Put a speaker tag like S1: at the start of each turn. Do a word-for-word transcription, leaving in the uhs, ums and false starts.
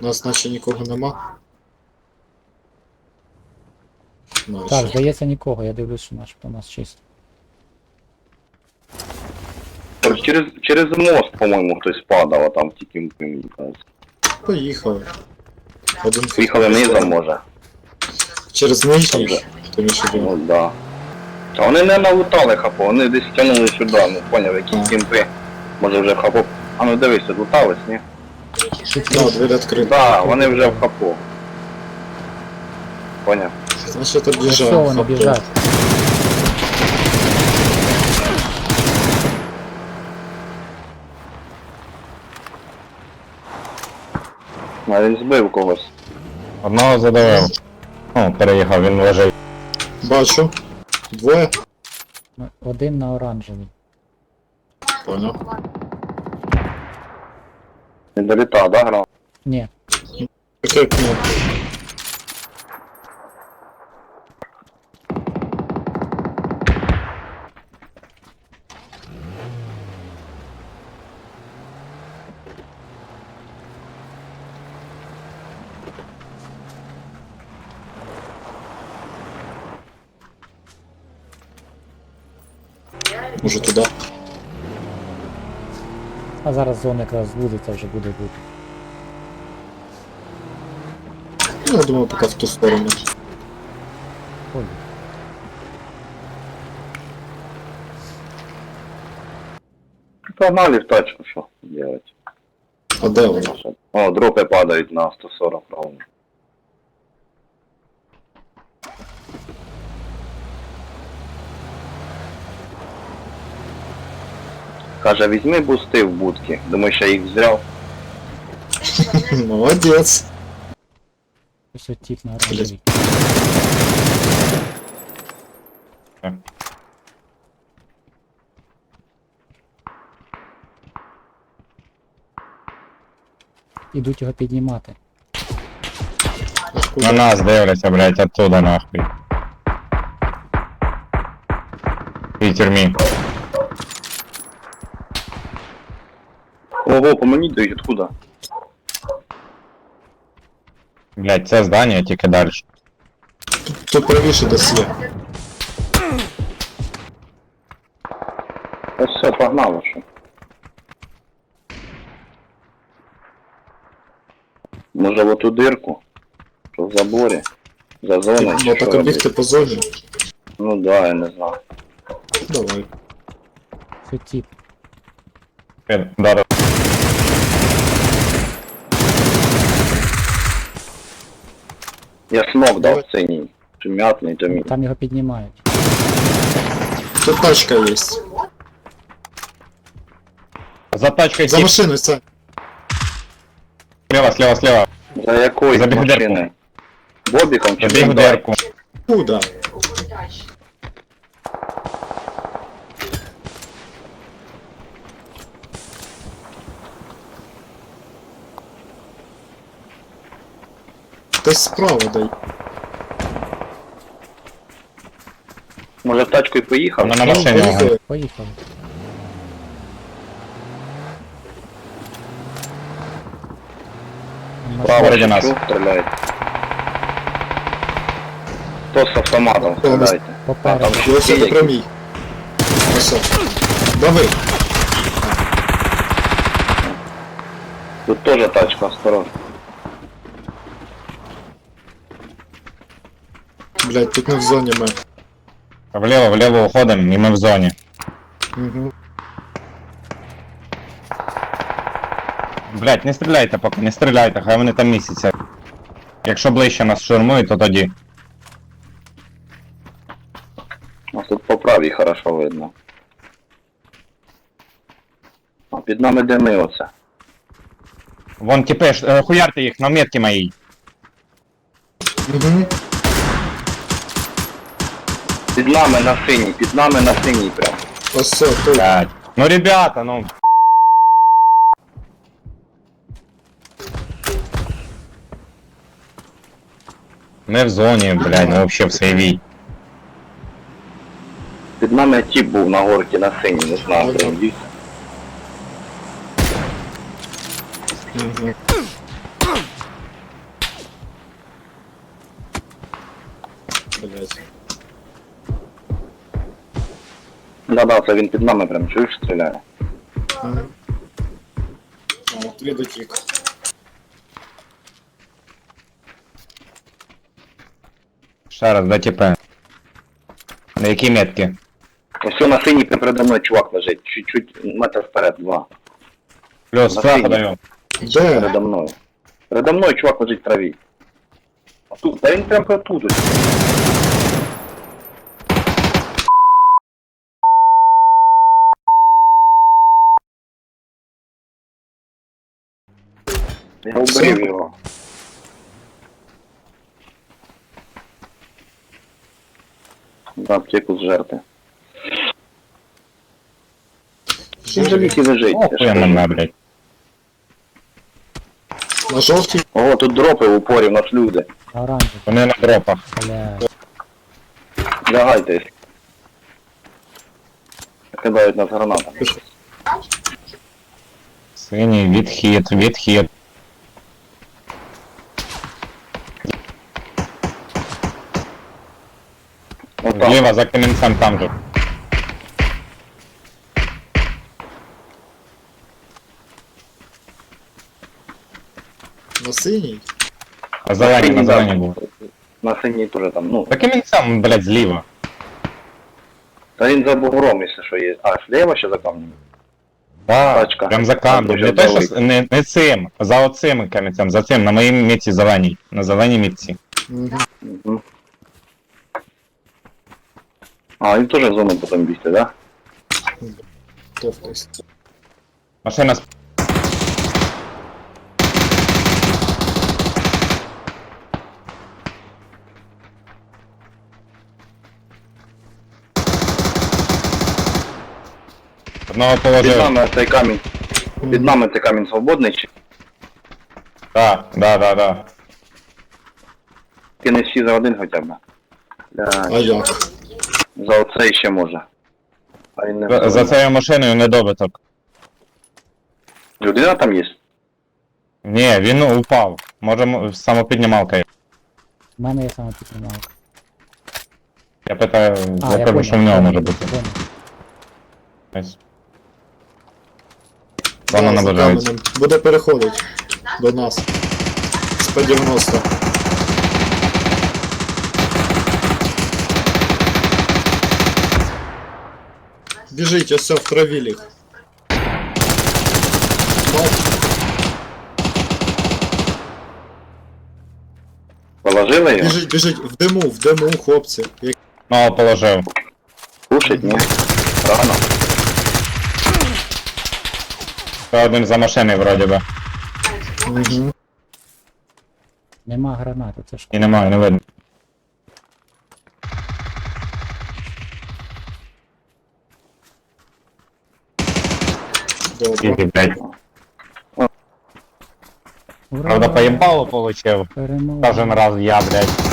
S1: У нас наче нікого нема. Ну,
S2: Так,
S1: ще.
S2: здається нікого, я дивлюсь, що начебто у нас чисто.
S3: Через, через мост, по-моєму, хтось падав, а там тільки мені кажуть.
S1: Поїхали. Один
S3: Поїхали низом, може.
S1: Через нижній,
S3: Добре.
S1: тому що
S3: Ну
S1: думаю.
S3: да. Та вони не налутали хапо, вони десь тягнули сюди, ну поняв, які кімпи. Може вже в хапо. А ну дивись, лутались, ні?
S1: Да, двері відкриті.
S3: Да, вони вже в хапо. Поняв?
S1: Значить
S2: Все,
S1: об'їжджаємо.
S2: вони біжать.
S3: А він збив когось.
S4: Одного задавив. О, переїхав, він лежить.
S1: Бачу. Двоє.
S2: Ну, один на оранжевій.
S1: Понял.
S3: Не долітав, да, грав?
S2: Ні,
S1: Таке кнопка. Може туди.
S2: а зараз зона якраз звузиться, вже буде бути.
S1: Ну, я думаю, поки в ту сторону.
S2: Ой,
S3: Погнали в тачку, що делать.
S1: А де вона?
S3: О, дропи падають на сто сорок ровно. Каже, візьми бусти в будки. Думаю, що їх взяв.
S1: Молодець.
S2: ось от тип на оранжевій. Ідуть його піднімати.
S4: На нас дивляться, блять, оттуда нахуй. В тюрмі.
S3: Ого, по мені дають, откуда?
S4: Блять, це здання, тільки далі.
S1: Тут правіше десь є.
S3: Ось все, погнало, що. Може в оту дирку? Що в заборі? За зоною? чи
S1: Ну
S3: що
S1: так
S3: робити?
S1: обігти по зоні.
S3: Ну да, я не знаю.
S1: Давай.
S2: Це тип.
S4: Дару.
S3: Я смок дав синій. Чи м'ятний, то мій.
S2: Там його піднімають.
S1: Тут тачка є.
S4: За тачкою
S1: За
S4: тип.
S1: машиною, це.
S4: Слева, слева, слева.
S3: За якою
S4: Забіг в дирку.
S3: машиною? Бобіком чи
S4: Забіг в
S3: Hyundai?
S4: дирку.
S1: Куда? Десь справа дай.
S3: Може в тачку і поїхав?
S4: Вона на
S1: Ну,
S4: машині. ага.
S1: поїхали.
S2: Поїхали.
S3: Право
S4: Спереді нас.
S3: чуть стріляють. Хто з автоматом
S1: Хто у нас?
S3: стріляйте? А
S2: Попереду.
S3: там ще
S1: Ось
S3: є
S1: це
S3: які?
S1: прямій. Ось. Дави.
S3: Тут теж тачка, осторожно.
S1: Блять, тут не в зоні ми.
S4: Вліво, вліво уходимо, і ми в зоні.
S1: Угу.
S4: Блять, не стріляйте поки, не стріляйте, хай вони там місяця. Якщо ближче нас штурмують, то тоді.
S3: У нас тут по правій хорошо видно. А під нами де ми оце?
S4: Вон тіпи, ш- е, хуярте їх на метки моїй.
S1: Угу.
S3: Під нами на синій, під нами на синій прям.
S1: Ось це, тут.
S4: Блять. Ну ребята, ну. Ми в зоні, блядь, ну вообще в сейві.
S3: Під нами тіп був на горці на синій, не знаю,
S1: Ага.
S3: прям дійсно.
S1: Угу. блядь.
S3: Да-да, це він під нами прям чуєш, стріляє.
S1: Мгм. А, три дотік.
S4: Ще раз, де тіпе. На які метки?
S3: Ось на синій передо мною чувак лежить, чуть-чуть метр вперед, два.
S4: Плюс,
S3: На
S4: флага
S3: синій.
S4: даю.
S1: Де?
S3: Передо мною. Передо мною чувак лежить в траві. А тут, та він прям тут ось. Я уберів його. Да, аптеку зжерти. Він же ліки лежить. я ж
S4: Охуя
S3: кажу.
S4: мене, блядь.
S1: На жовтій?
S3: Ого, тут дропи в упорі, в нас люди.
S2: Оранжевий,
S4: Вони на дропах.
S2: блядь.
S3: Лягайтесь. Кидають нас гранати.
S4: Синій, відхід, відхід.
S3: Отам.
S4: Зліва за камінцем там же.
S1: На синій?
S4: А зелені, на зелені був.
S3: На синій теж там, ну.
S4: За камінцем, блядь, зліва.
S3: Та він за бугром, якщо що є. А, слева ще за камнем?
S4: Да,
S3: Тачка.
S4: прям за камнем.
S3: Там
S4: Не
S3: дуже
S4: то, що, с- не, не цим, за оцим камінцем, за цим, на моїй мітці зеленій. На зеленій мітці.
S1: Угу.
S3: Угу. А, він теж в зону потім бігти, да?
S1: Товкайся.
S4: Машина сп... Одного
S3: Під
S4: положив.
S3: нами цей камінь. Під нами цей камінь свободний чи?
S4: Да, да, да, да.
S3: Ти не всі за один хоча б.
S1: А
S3: Бля,
S1: як?
S3: за оцей ще може. А він не
S4: За, за цією машиною недобиток.
S3: Людина там є?
S4: Ні, він упав. Може м- самопіднімалка є.
S2: У мене є саме піднімалка.
S4: Я питаю,
S2: А,
S4: я
S2: я
S4: кажу, що в
S2: понял,
S4: нього
S2: понял,
S4: може бути.
S2: понял.
S4: Ось. Вона
S1: Да, за
S4: наближається.
S1: каменем. Буде переходити до нас. З П дев'яносто. Біжить, ось все, в траві ліг. Бач,
S3: Положили його?
S1: біжить, біжить, в диму, в диму, хлопці. Як...
S4: Ну, положив.
S3: Кушать, ні? Рано.
S4: Ще один за машиною вроді би.
S1: Угу.
S2: Нема гранати, це ж
S4: І немає, не видно.
S1: Добре.
S4: Скільки, блядь.
S2: ура!
S4: Правда, поїбало получив.
S2: Перемога.
S4: Кожен раз я, блядь.